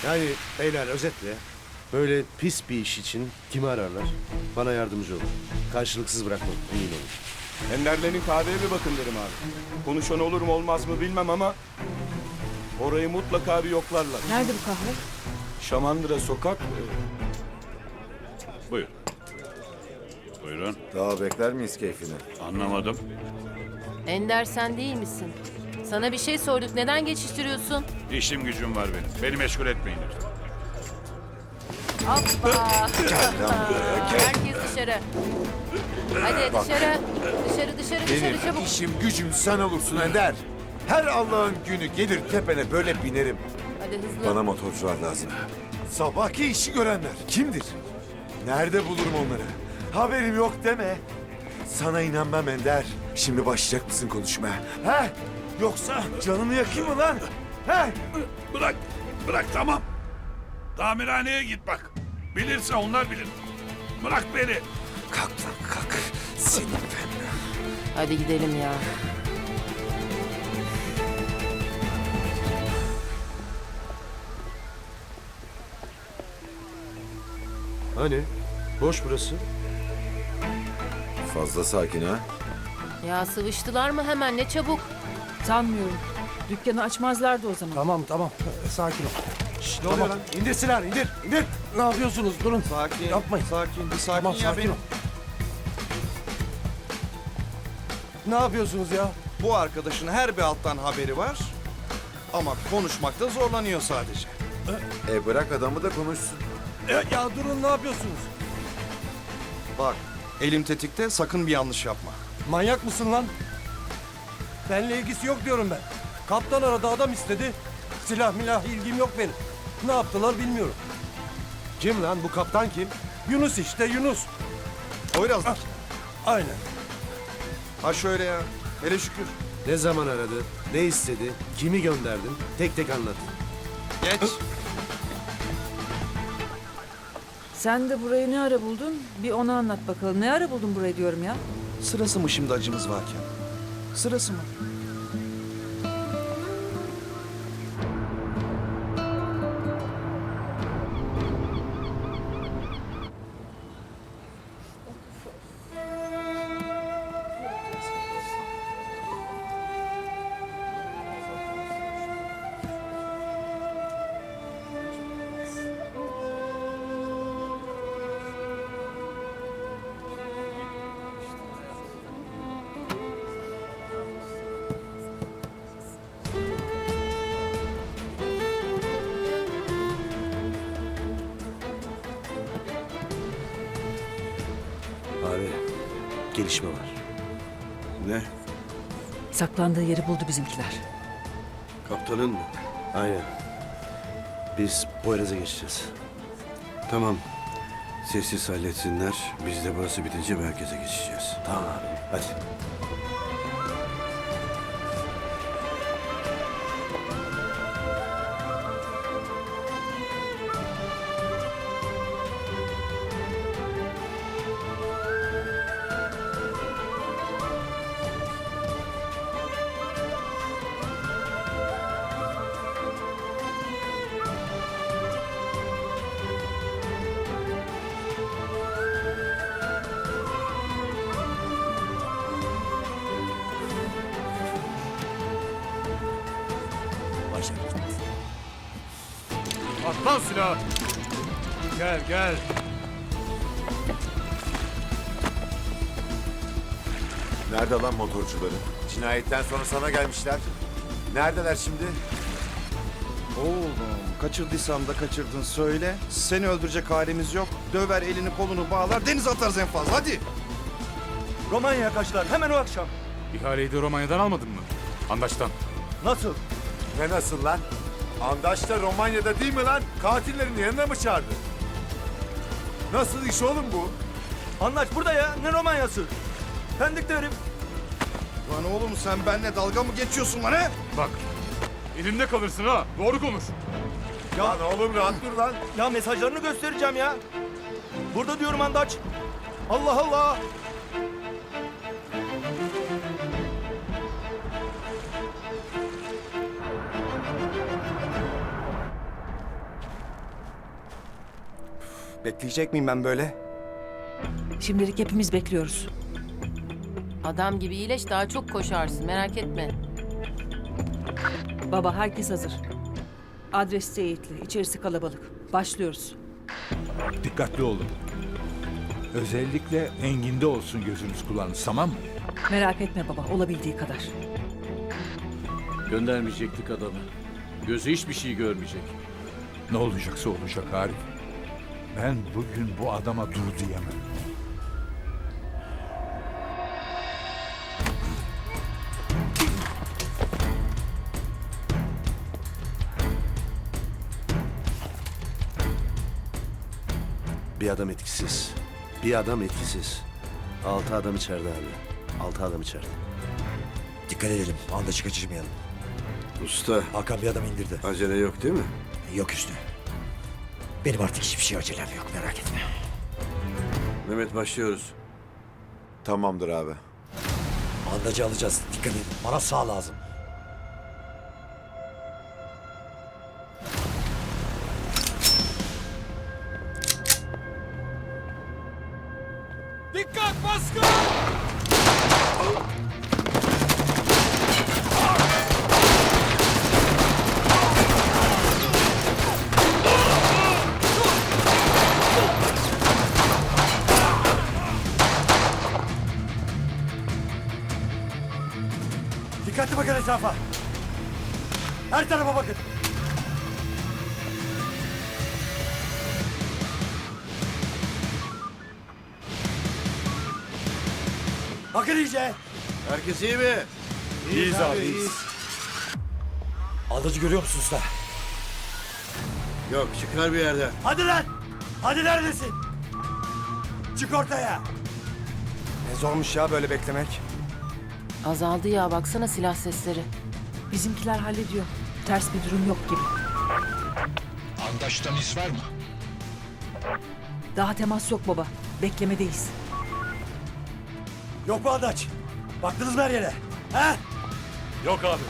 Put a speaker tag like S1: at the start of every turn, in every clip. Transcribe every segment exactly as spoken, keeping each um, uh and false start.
S1: Yani beyler özetle böyle pis bir iş için kimi ararlar? Bana yardımcı olun. Karşılıksız bırakmam, emin olun.
S2: Enderlerin kahveye bir bakın derim abi. Konuşan olur mu olmaz mı bilmem ama orayı mutlaka bir yoklarlar.
S3: Nerede bu kahve?
S2: Şamandıra sokak. e,
S4: Buyur. Buyurun.
S5: Daha bekler miyiz keyfini?
S4: Anlamadım.
S6: Ender sen değil misin? Sana bir şey sorduk. Neden geçiştiriyorsun?
S4: İşim gücüm var benim. Beni meşgul etmeyin lütfen.
S6: Hoppa. Herkes dışarı. Hadi dışarı. Dışarı dışarı dışarı çabuk.
S5: işim gücüm sen olursun Ender. Her Allah'ın günü gelir tepene böyle binerim.
S6: Hadi hızlı.
S5: Bana motorcular lazım. Sabahki işi görenler kimdir? Nerede bulurum onları? Haberim yok deme. Sana inanmam Ender. Şimdi başlayacak mısın konuşmaya? He? Yoksa canını yakayım mı lan? He?
S4: Bırak. Bırak tamam. Tamirhaneye git bak. Bilirse onlar bilir. Bırak beni.
S5: Kalk lan kalk. Senin ben.
S6: Hadi gidelim ya.
S1: Hani? Boş burası.
S5: Fazla sakin ha.
S6: Ya sıvıştılar mı hemen ne çabuk.
S3: Sanmıyorum. Dükkanı açmazlardı o zaman.
S7: Tamam tamam. Ee, Sakin ol.
S1: Ne oluyor lan? İndir silahını, indir, indir.
S7: Ne yapıyorsunuz? Durun.
S2: Sakin.
S7: Yapmayın.
S2: Sakin. Bir sakin
S7: Tamam
S2: ya
S7: sakin
S2: benim.
S7: ol. Ne yapıyorsunuz ya?
S2: Bu arkadaşın her bir alttan haberi var. Ama konuşmakta zorlanıyor sadece.
S5: E bırak adamı da konuşsun.
S7: E, ya durun ne yapıyorsunuz?
S2: Bak elim tetikte sakın bir yanlış yapma.
S7: Manyak mısın lan? Benle ilgisi yok diyorum ben. Kaptan aradı adam istedi. Silah milah ilgim yok benim. Ne yaptılar bilmiyorum.
S1: Kim lan? Bu kaptan kim?
S7: Yunus işte Yunus.
S2: Poyraz'daki.
S7: Aynen.
S2: Ha şöyle ya. Hele şükür.
S1: Ne zaman aradı? Ne istedi? Kimi gönderdin? Tek tek anlat.
S2: Geç.
S3: Sen de burayı ne ara buldun? Bir onu anlat bakalım. Ne ara buldun burayı diyorum ya.
S2: Sırası mı şimdi acımız varken? Sırası mı?
S1: Abi, gelişme var.
S2: Ne?
S3: Saklandığı yeri buldu bizimkiler.
S1: Kaptanın mı? Aynen. Biz Poyraz'a geçeceğiz.
S8: Tamam. Sessiz halletsinler. Biz de burası bitince merkeze geçeceğiz.
S1: Tamam abi, hadi.
S7: At lan silahı. Gel gel.
S5: Nerede lan motorcuları? Cinayetten sonra sana gelmişler. Neredeler şimdi?
S2: Oğlum kaçırdıysam da kaçırdın söyle. Seni öldürecek halimiz yok. Döver elini kolunu bağlar denize atarız en fazla hadi.
S7: Romanya'ya kaçtılar hemen o akşam.
S9: İhaleyi de Romanya'dan almadın mı? Andaç'tan.
S7: Nasıl?
S5: Ne nasıl lan? Andaş da Romanya'da değil mi lan? Katillerin yanına mı çağırdı? Nasıl iş oğlum bu?
S7: Anlaş burada ya. Ne Romanya'sı? Pendik'te herif.
S2: Lan oğlum sen benimle dalga mı geçiyorsun lan he?
S9: Bak, elimde kalırsın ha. Doğru konuş.
S5: Lan oğlum rahat dur lan.
S7: Ya mesajlarını göstereceğim ya. Burada diyorum Andaç. Allah Allah.
S2: Bekleyecek miyim ben böyle?
S3: Şimdilik hepimiz bekliyoruz.
S6: Adam gibi iyileş daha çok koşarsın merak etme.
S3: Baba herkes hazır. Adres teyitli, içerisi kalabalık. Başlıyoruz.
S10: Dikkatli olun. Özellikle Engin'de olsun gözünüz kulağınız, tamam mı?
S3: Merak etme baba, olabildiği kadar.
S11: Göndermeyecektik adamı. Gözü hiçbir şey görmeyecek.
S10: Ne olacaksa olacak Arif. Ben bugün bu adama dur diyemem.
S1: Bir adam etkisiz. Bir adam etkisiz. Altı adam içeride abi. Altı adam içeride.
S12: Dikkat edelim. Anda kaçırmayalım.
S8: Usta,
S12: Hakan bir adam indirdi.
S8: acele yok değil mi?
S12: Yok üstü. Benim artık hiçbir şey acelem yok, merak etme.
S8: Mehmet başlıyoruz.
S5: Tamamdır abi.
S12: Andacı alacağız. Dikkat edin. Bana sağ lazım.
S7: Dikkat baskın!
S12: Dikkatli bakın etrafa. Her tarafa bakın. Bakın iyice.
S8: Herkes iyi mi?
S5: İyiyiz abi, iyiyiz.
S12: Andacı görüyor musun usta?
S8: Yok, çıkar bir yerden.
S12: Hadi lan! Hadi neredesin? Çık ortaya.
S2: Ne zormuş ya böyle beklemek.
S6: Azaldı ya baksana silah sesleri.
S3: Bizimkiler hallediyor. Ters bir durum yok gibi.
S10: Andaçtan iz var mı?
S3: Daha temas yok baba. Beklemedeyiz.
S12: Yok mu Andaç? Baktınız mı her yere? He?
S9: Yok abi.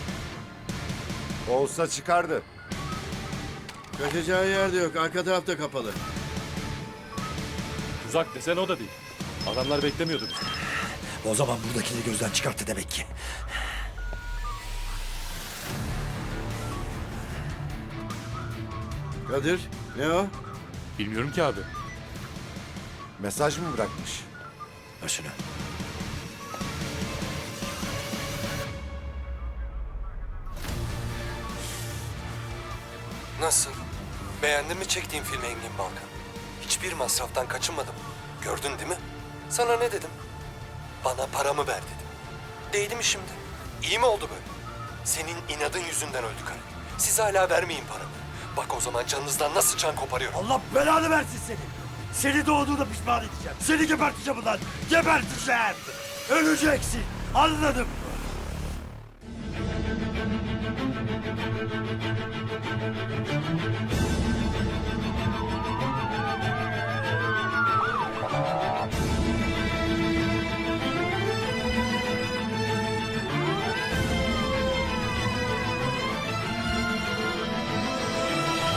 S5: Olsa çıkardı.
S8: Kaçacağı yer de yok, arka tarafta kapalı.
S9: Tuzak desen o da değil. Adamlar beklemiyordu bizi.
S12: O zaman buradakileri gözden çıkarttı demek ki.
S8: Kadir, ne o?
S9: Bilmiyorum ki abi.
S5: Mesaj mı bırakmış?
S12: Başına.
S7: Nasıl? Beğendin mi çektiğim filmi Engin Balkan? Hiçbir masraftan kaçınmadım. Gördün değil mi? Sana ne dedim? Bana paramı ver dedim. Değdi mi şimdi? İyi mi oldu böyle? Senin inadın yüzünden öldü karı. Siz hala vermeyin paramı. Bak o zaman canınızdan nasıl can koparıyorum.
S12: Allah belanı versin seni. Seni doğduğuna pişman edeceğim. Seni geberteceğim ulan. Geberteceğim. Öleceksin. Anladın mı?